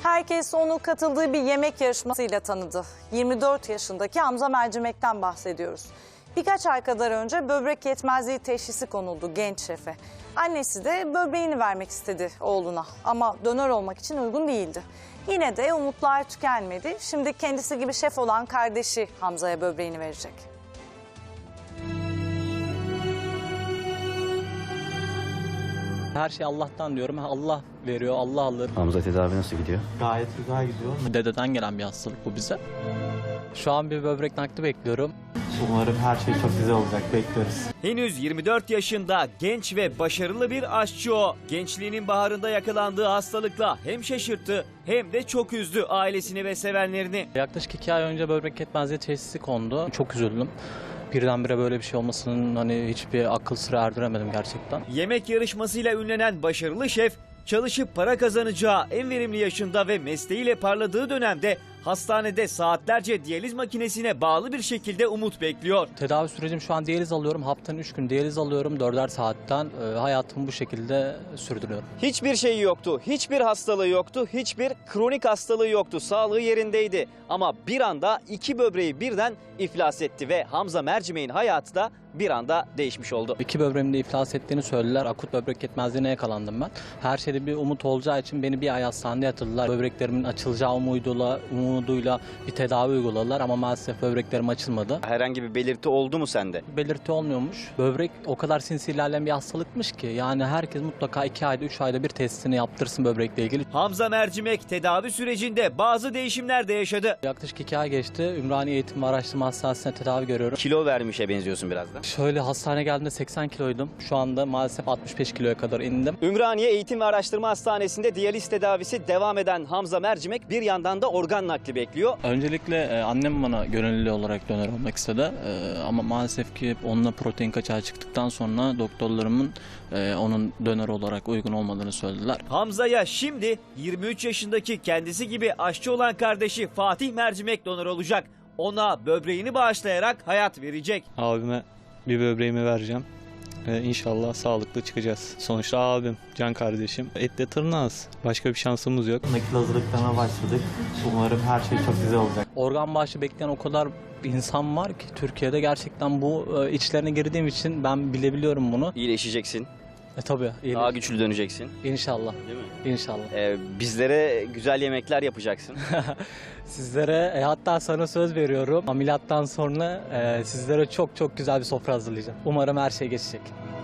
Herkes onu katıldığı bir yemek yarışmasıyla tanıdı. 24 yaşındaki Hamza Mercimek'ten bahsediyoruz. Birkaç ay kadar önce böbrek yetmezliği teşhisi konuldu genç şefe. Annesi de böbreğini vermek istedi oğluna ama donör olmak için uygun değildi. Yine de umutlar tükenmedi. Şimdi kendisi gibi şef olan kardeşi Hamza'ya böbreğini verecek. Her şey Allah'tan diyorum. Allah veriyor, Allah alır. Hamza tedavi nasıl gidiyor? Gayet güzel gidiyor. Dededen gelen bir hastalık bu bize. Şu an bir böbrek nakli bekliyorum. Umarım her şey çok güzel olacak. Bekliyoruz. Henüz 24 yaşında genç ve başarılı bir aşçı o. Gençliğinin baharında yakalandığı hastalıkla hem şaşırttı hem de çok üzdü ailesini ve sevenlerini. Yaklaşık 2 ay önce böbrek yetmezliği teşhisi kondu. Çok üzüldüm. Birdenbire böyle bir şey olmasının hiçbir akıl sıra erdiremedim gerçekten. Yemek yarışmasıyla ünlenen başarılı şef, çalışıp para kazanacağı en verimli yaşında ve mesleğiyle parladığı dönemde hastanede saatlerce diyaliz makinesine bağlı bir şekilde umut bekliyor. Tedavi sürecim şu an diyaliz alıyorum. Haftanın 3 gün diyaliz alıyorum. 4'er saatten hayatımı bu şekilde sürdürüyorum. Hiçbir şeyi yoktu, hiçbir hastalığı yoktu, hiçbir kronik hastalığı yoktu. Sağlığı yerindeydi ama bir anda 2 böbreği birden iflas etti ve Hamza Mercimek'in hayatı da bir anda değişmiş oldu. 2 böbreğimin de iflas ettiğini söylediler. Akut böbrek yetmezliğine yakalandım ben. Her şeyde bir umut olacağı için beni bir ay hastanede yatırdılar. Böbreklerimin açılacağı umuduyla bir tedavi uyguladılar ama maalesef böbreklerim açılmadı. Herhangi bir belirti oldu mu sende? Belirti olmuyormuş. Böbrek o kadar sinsi ilerleyen bir hastalıkmış ki yani herkes mutlaka 2 ayda 3 ayda bir testini yaptırsın böbrekle ilgili. Hamza Mercimek tedavi sürecinde bazı değişimler de yaşadı. Yaklaşık 2 ay geçti. Ümraniye Eğitim ve Araştırma Hastanesi'ne tedavi görüyorum. Kilo vermişe benziyorsun biraz da. Şöyle hastaneye geldiğimde 80 kiloydum. Şu anda maalesef 65 kiloya kadar indim. Ümraniye Eğitim ve Araştırma Hastanesi'nde diyaliz tedavisi devam eden Hamza Mercimek bir yandan da organ nakli bekliyor. Öncelikle annem bana gönüllü olarak dönör olmak istedi. Ama maalesef ki onunla protein kaçağı çıktıktan sonra doktorlarımın onun dönör olarak uygun olmadığını söylediler. Hamza'ya şimdi 23 yaşındaki kendisi gibi aşçı olan kardeşi Fatih Mercimek donör olacak. Ona böbreğini bağışlayarak hayat verecek. Abime bir böbreğimi vereceğim. İnşallah sağlıklı çıkacağız. Sonuçta abim, can kardeşim. Etle tırnağız. Başka bir şansımız yok. Nakil hazırlıklarına başladık. Umarım her şey çok güzel olacak. Organ bağışı bekleyen o kadar insan var ki Türkiye'de gerçekten bu içlerine girdiğim için ben bilebiliyorum bunu. İyileşeceksin. Tabii. Daha güçlü döneceksin. İnşallah. Değil mi? İnşallah. Bizlere güzel yemekler yapacaksın. Sizlere hatta sana söz veriyorum. Ameliyattan sonra sizlere çok çok güzel bir sofra hazırlayacağım. Umarım her şey geçecek.